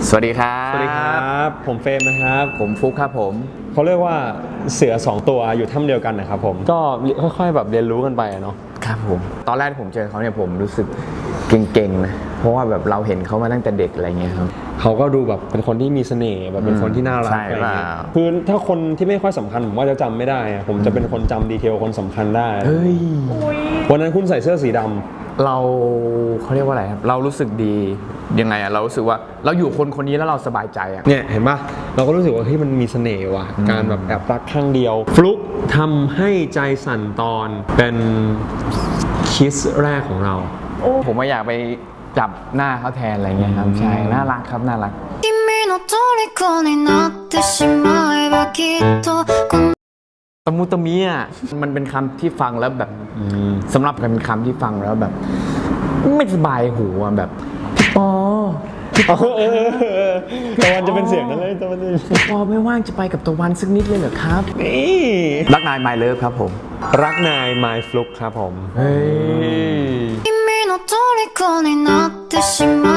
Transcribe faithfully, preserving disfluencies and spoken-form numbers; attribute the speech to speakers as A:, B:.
A: สวัสดีครับ
B: สวัสดีครับผมเฟรมนะครับ
A: ผมฟุกครับผม
B: เขาเรียกว่าเสือสองตัวอยู่ถ้ำเดียวกันนะครับผมก็ค่อยๆแบบเรียนรู้กันไปเนาะ
A: ครับผมตอนแรกผมเจอเขาเนี่ยผมรู้สึกเก่งๆนะเพราะว่าแบบเราเห็นเขามาตั้งแต่เด็กอะไรเงี้ยครับ
B: เขาก็ดูแบบเป็นคนที่มีเสน่ห์แบบเป็นคนที่น่ารักอะไรเงี้ยคือถ้าคนที่ไม่ค่อยสำคัญผมว่าจะจำไม่ได้ผมจะเป็นคนจำดีเทลคนสำคัญได้
A: เฮ้ย
B: วันนั้นคุณใส่เสื้อสีดำ
A: เราเขาเรียกว่าอะไรครับเรารู้สึกดียังไงอะเรารู้สึกว่าเราอยู่คนคนนี้แล้วเราสบายใจอะ
B: เนี่ยเห็นปะเราก็รู้สึกว่าเฮ้ยมันมีเสน่ห์ว่ะการแบบแอบรักข้างเดียวฟลุกทำให้ใจสั่นตอนเป็นคิสแรกของเรา
A: ผมว่าอยากไปจับหน้าเขาแทนอะไรเงี้ยครับใช่น่ารักครับน่ารักตะมุตะมีอ่ะมันเป็นคำที่ฟังแล้วแบบสำหรับกันเป็นคำที่ฟังแล้วแบบไม่สบายหูอ่ะแบบพี่ปอ
B: พี่ปอเออตะวันจะเป็นเสียงนั้นเลยตะวัน
A: พี่ปอไม่ว่างจะไปกับตะวันสักนิดเลยเหรอครับนี่รักนายไมเลิฟครับผม
B: รักนายไมฟลุกครับผม
A: เฮ้ย